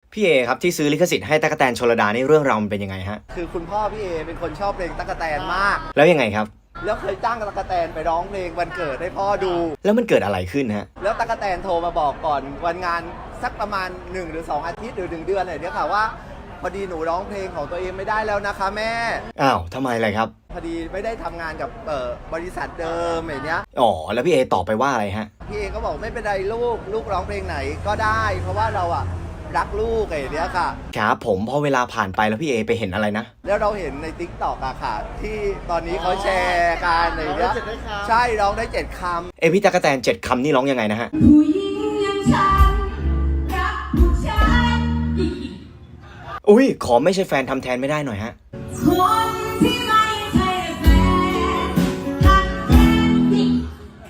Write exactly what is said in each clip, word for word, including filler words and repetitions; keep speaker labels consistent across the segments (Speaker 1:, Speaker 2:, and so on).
Speaker 1: พี่เอครับที่ซื้อลิขสิทธิ์ให้ตั๊กแตนชลดานี่เรื่องราวมันเป็นยังไงฮะ
Speaker 2: คือคุณพ่อพี่เอเป็นคนชอบเพลงตั๊กแตนมาก
Speaker 1: แล้วยังไงครับ
Speaker 2: แล้วเคยจ้างตั๊กแตนไปร้องเพลงวันเกิดให้พ่อดู
Speaker 1: แล้วมันเกิดอะไรขึ้นฮะ
Speaker 2: แล้วตั๊กแตนโทรมาบอกก่อนวันงานสักประมาณหนึ่งหรือสองอาทิตย์หรือหนึ่งเดือนอะไรเนี่ยค่ะว่าพอดีหนูร้องเพลงของตัวเองไม่ได้แล้วนะคะแม่
Speaker 1: อ้าวทำไมอะไรครับ
Speaker 2: พอดีไม่ได้ทำงานกับเอ่อบริษัทเดิมอย่างเนี้ย
Speaker 1: อ๋อแล้วพี่เอตอบไปว่าอะไรฮะ
Speaker 2: พี่เอก็บอกไม่เป็นไรลูกลูกร้องเพลงไหนก็ได้เพราะว่าเราอะรักลูกอย่างเนี้ยค่ะ
Speaker 1: ครับผมพอเวลาผ่านไปแล้วพี่เอไปเห็นอะไรนะ
Speaker 2: แล้วเราเห็นใน ติ๊กต็อก อะค่ะที่ตอนนี้เขาแชร์กันอะไรเงี้ยใช่ร้องได้เจ็ดคำ
Speaker 1: เอพี่ตั๊กแตนเจ็ดคำนี่ร้องยังไงนะฮะ
Speaker 3: ผู้หญิงอย่างฉันรักผู้ชาย
Speaker 1: อุ้ยขอไม่ใช่แฟนทำแทนไม่ได้หน่อยฮะ
Speaker 3: คนที่ไม่ใช่แฟนรักแท้จริง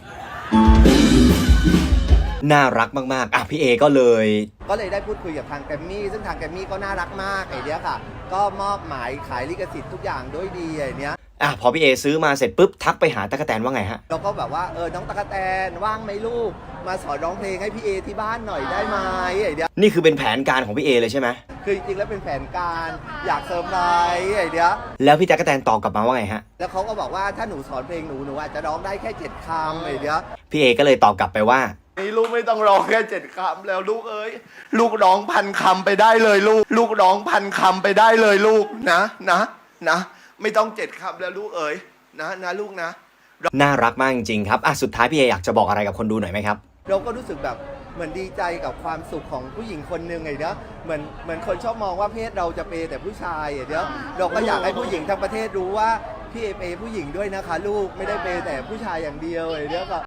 Speaker 1: น่ารักมากๆอ่ะพี่เอก็เลย
Speaker 2: ก็เลยได้พูดคุยกับทางแกรมมี่ซึ่งทางแกรมมี่ก็น่ารักมากไอ้เนี้ยค่ะก็มอบหมายขายลิขสิทธิ์ทุกอย่างด้วยดีไอ้เนี้ย
Speaker 1: อ่ะพอพี่เอซื้อมาเสร็จปุ๊บทักไปหาตั๊กแตนว่าไงฮะ
Speaker 2: เราก็แบบว่าเออน้องตั๊กแตนว่างไหมลูกมาสอนร้องเพลงให้พี่เอที่บ้านหน่อยได้ไหมไอ้เนี้ย
Speaker 1: นี่คือเป็นแผนการของพี่เอเลยใช่ไหม
Speaker 2: คือจริงๆแล้วเป็นแผนการอยากเซอร์ไพรส์ไอ้เนี้ย
Speaker 1: แล้วพี่ตั๊กแตนตอบกลับมาว่าไงฮะ
Speaker 2: แล้วเขาก็บอกว่าถ้าหนูสอนเพลงหนูหนูอาจจะร้องได้แค่เจ็ดคำไอ้เนี้ย
Speaker 1: พี่เอก็เลยตอบกลับไปว่า
Speaker 2: นี่ลูกไม่ต้องร้องแค่เจ็ดคำแล้วลูกเอ้ยลูกร้องพันคำไปได้เลยลูกลูกร้องพันคำไปได้เลยลูกนะนะนะไม่ต้องเจ็ดคำแล้วลูกเอ้ยนะนะลูกนะ
Speaker 1: น่ารักมากจริงๆครับอ่ะสุดท้ายพี่เออยากจะบอกอะไรกับคนดูหน่อยไหมครับ
Speaker 2: เราก็รู้สึกแบบเหมือนดีใจกับความสุขของผู้หญิงคนหนึ่งไงเนาะเหมือนเหมือนคนชอบมองว่าเพศเราจะเปย์แต่ผู้ชายไงเนาะเราก็อยากให้ผู้หญิงทั้งประเทศรู้ว่าพี่เอเปย์ผู้หญิงด้วยนะคะลูกไม่ได้เปย์แต่ผู้ชายอย่างเดียวไงเนาะก็